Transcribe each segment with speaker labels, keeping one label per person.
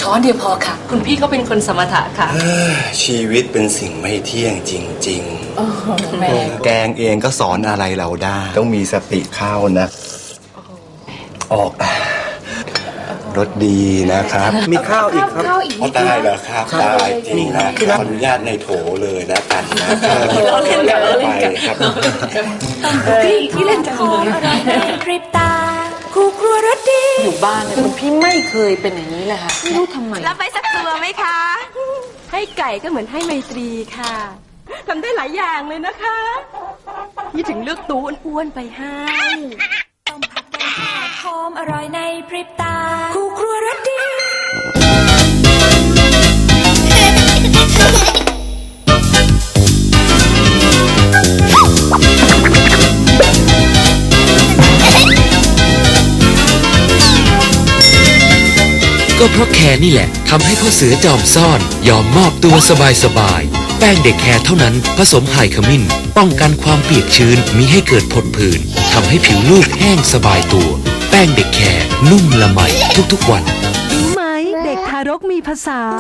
Speaker 1: ช้อนเดียวพอค่ะคุณพี่เขาเป็นคนสมถะค่ะ
Speaker 2: ชีวิตเป็นสิ่งไม่เที่ยงจริงๆแกงเองก็สอนอะไรเราได้ต้องมีสติเข้านะออกรสดีนะครับ
Speaker 3: มีข้าวอีกครับ
Speaker 2: ตายแล้วครับตายจริงนะขออนุญาตในโถเลยแล้วกันนะครับ
Speaker 1: เราเล่นกัน
Speaker 2: ไปครับ
Speaker 1: พี่เล่นจังเลย
Speaker 4: พริบตาคู่ครัวรสดี
Speaker 1: อยู่บ้านเนี่ยคุณพี่ไม่เคยเป็นอย่างนี้เลยค่ะไม่รู้ทำไม
Speaker 4: รับไปสักตัวไหมคะ
Speaker 5: ให้ไก่ก็เหมือนให้ไมตรีค่ะทำได้หลายอย่างเลยนะคะพี่ถึงเลือกตูอ้วนๆไปให้
Speaker 4: ต้มผัดแกงทอดหอมอร่อยในพริบตาคู่ครัวรสดี
Speaker 6: ก็เพราะแคร์นี่แหละทำให้พ่อเสือจอมซ่อนยอมมอบตัวสบายๆแป้งเด็กแคร์เท่านั้นผสมไฮขมิ้นป้องกันความเปียกชื้นมิให้เกิดผดผื่นทำให้ผิวลูกแห้งสบายตัวแป้งเด็กแคร์นุ่มละไมทุกๆวัน
Speaker 7: รู้ไหมเด็กทารกมีภาษา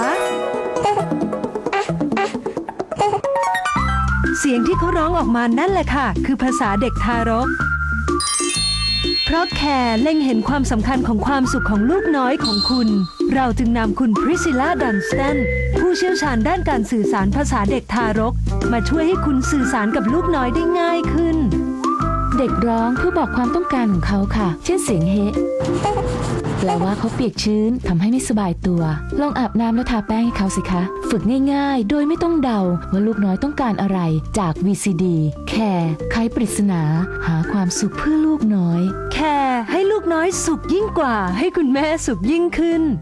Speaker 7: เสียงที่เขาร้องออกมานั่นแหละค่ะคือภาษาเด็กทารกเพราะแคร์เล็งเห็นความสำคัญของความสุขของลูกน้อยของคุณเราจึงนำคุณพริซิลล่าดันสตันผู้เชี่ยวชาญด้านการสื่อสารภาษาเด็กทารกมาช่วยให้คุณสื่อสารกับลูกน้อยได้ง่ายขึ้น
Speaker 8: เด็กร้องเพื่อบอกความต้องการของเขาค่ะเช่นเสียงเฮแปลว่าเขาเปียกชื้นทำให้ไม่สบายตัวลองอาบน้ำแล้วทาแป้งให้เขาสิคะฝึกง่ายๆโดยไม่ต้องเดาว่าลูกน้อยต้องการอะไรจาก VCD แคร์ไขปริศนาหาความสุขเพื่อลูกน้อย
Speaker 7: แคร์ให้ลูกน้อยสุขยิ่งกว่าให้คุณแม่สุขยิ่งขึ้น